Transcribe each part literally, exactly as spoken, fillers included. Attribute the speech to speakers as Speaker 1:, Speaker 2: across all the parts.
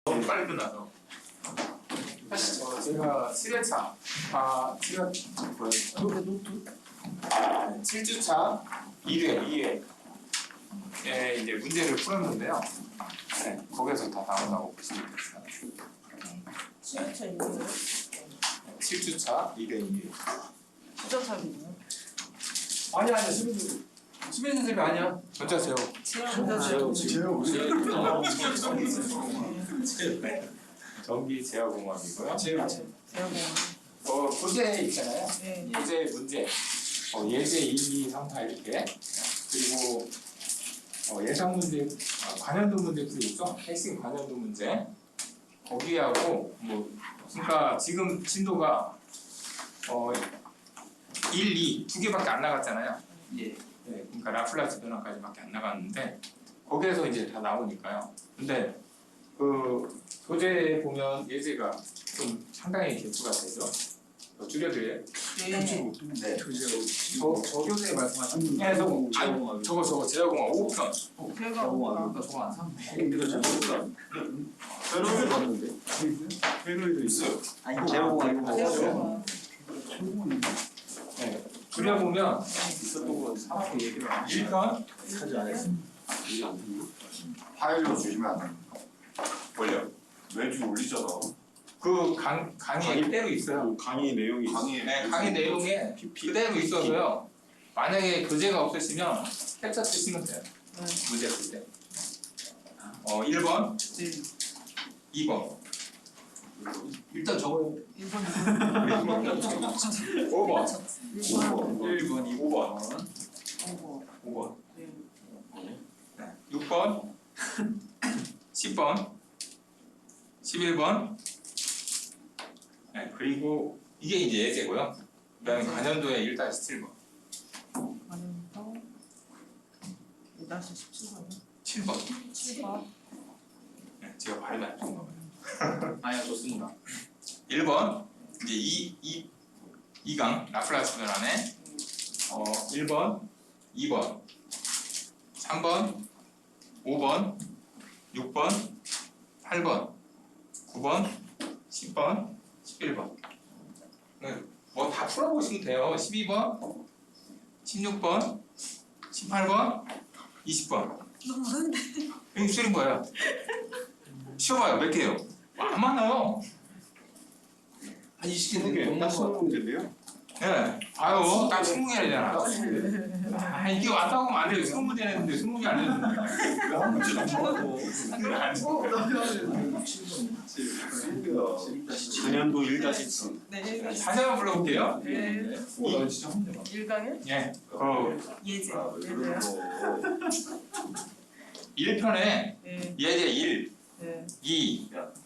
Speaker 1: 너무 빨리 끝나서. 사실 어, 제가 칠 회차, 아, 제가 칠 주차 이 회, 이 회에 이제 문제를 풀었는데요. 네, 거기서 다 나온다고 보시면 됩니다.
Speaker 2: 칠 주차 이거요?
Speaker 1: 칠 주차 이 회, 이 회.
Speaker 2: 주차차비요?
Speaker 1: 아니 아니 수빈 수빈 선생님 아니야. 전자 제어.
Speaker 2: 제어
Speaker 3: 제어
Speaker 1: 네. 전기 제어공학이고요.
Speaker 3: 제어
Speaker 2: 제어공학.
Speaker 1: 어 부재 있잖아요.
Speaker 2: 네.
Speaker 1: 부재 문제. 어, 예제 일, 이, 삼, 사 이렇게. 그리고 어, 예상 문제, 아, 관련도 문제도 있죠. 핵심 관련도 문제. 거기하고 뭐 그러니까 지금 진도가 어 일, 이 두 개밖에 안 나갔잖아요.
Speaker 3: 예.
Speaker 1: 네, 그러니까 라플라스 변화까지밖에 안 나갔는데 거기에서 이제 다 나오니까요. 근데 그 소재 보면 예제가 좀 상당히 개수가 되죠. 더 줄여드려요.
Speaker 2: 네.
Speaker 3: 네.
Speaker 1: 저, 저 교수님 말씀하신 네, 저거, 아니, 저거 저거 제어공학 오 편.
Speaker 2: 제어공학.
Speaker 3: 저거 안 샀네. 이거 잘못다. 페로이드 봤는데. 페로이드 있어요. 아니 제어공학
Speaker 2: 제어공학.
Speaker 1: 네, 줄여보면
Speaker 3: 있었던 거 사람이 얘기를 안
Speaker 1: 일 편
Speaker 3: 하지 않았어요. 이게 안 됐나?
Speaker 4: 파일로 주시면 안 됩니까?
Speaker 1: 올려.
Speaker 4: 매주 올리잖아.
Speaker 1: 그 강, 강의에 그대로 있어요.
Speaker 3: 강의 내용이
Speaker 4: 강의
Speaker 1: 네, 강의 내용에 그대로 있어서요. 만약에 교재가 없으시면 캡처 쓰시면 돼요.
Speaker 2: 네.
Speaker 1: 문제 풀 때. 어, 일 번,
Speaker 2: 네.
Speaker 1: 이 번. 일단 적어요.
Speaker 2: 일 번,
Speaker 1: 오 번,
Speaker 2: 일 번,
Speaker 1: 일 번, 오 번,
Speaker 2: 오
Speaker 1: 오 번,
Speaker 2: 네.
Speaker 1: 네. 육 번, 십 번, 십일 번. 네, 그리고 이게 이제 예제고요. 그다음에 관연도의 일 다시 칠 번,
Speaker 2: 관련도 일 다시 십칠 번이요?
Speaker 1: 칠 번.
Speaker 2: 칠 번.
Speaker 1: 네, 제가 발음이 안 좋은가 봐요. 아니야, 좋습니다. 일 번, 이제 이, 이, 이 강, 라플라스 변환에 어, 일 번, 이 번, 삼 번, 오 번, 육 번, 팔 번, 구 번, 십 번, 십일 번. 네, 뭐 다 풀어보시면 돼요. 십이 번, 십육 번, 십팔 번, 이십 번.
Speaker 2: 너무 많은데.
Speaker 1: 이거 줄인 거예요. 쉬어봐요. 몇 개요? 안 많아요.
Speaker 3: 한 이십 개 넘는 거 문제인데요.
Speaker 1: 네, 봐요. 딱 스무 개잖아. 아, 이게 왔다고 하면 안 돼요. 스무 문제 냈는데 스무 개 안 냈는데.
Speaker 4: 한 문제 넘어가고.
Speaker 3: 관연도 일 다시 칠.
Speaker 2: 네.
Speaker 1: 다시 한번 불러볼게요.
Speaker 2: 네.
Speaker 3: 오, 나 진짜 한 문제
Speaker 2: 일 강에
Speaker 1: 예, 그
Speaker 2: 예제.
Speaker 4: 아,
Speaker 2: 예제요?
Speaker 1: 일 편에
Speaker 2: 네.
Speaker 1: 예제 일,
Speaker 2: 네.
Speaker 1: 이,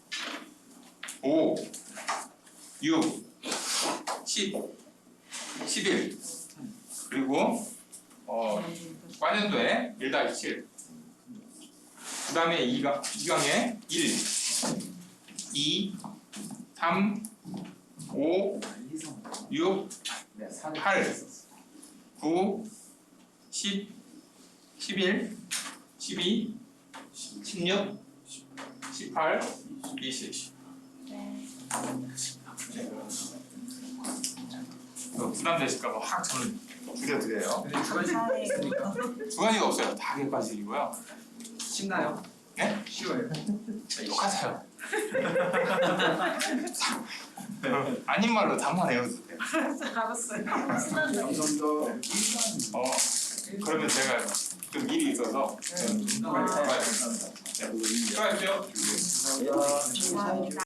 Speaker 1: 오, 육, 십, 십일 그리고 어, 관연도에 일 다시 칠. 그 다음에 이 강, 이 강에 일, 이, 삼, 오, 육, 팔, 구, 십, 십일, 십이, 십육, 십팔, 이십.
Speaker 2: 네.
Speaker 1: 어, 부담되실까봐 확 저는 줄여드려요.
Speaker 2: 감사해요.
Speaker 1: 두 가지가 없어요. 다 객관식이고요.
Speaker 3: 쉽나요?
Speaker 1: 네?
Speaker 3: 쉬워요.
Speaker 1: 욕하세요. 아닌 말로 답만 외워주세요.
Speaker 2: 알았어요.
Speaker 4: 감사합니다.
Speaker 1: 어, 그러면 제가 좀 일이 있어서
Speaker 2: 네.
Speaker 1: 네, 수고하십시오.
Speaker 2: 감사합니다.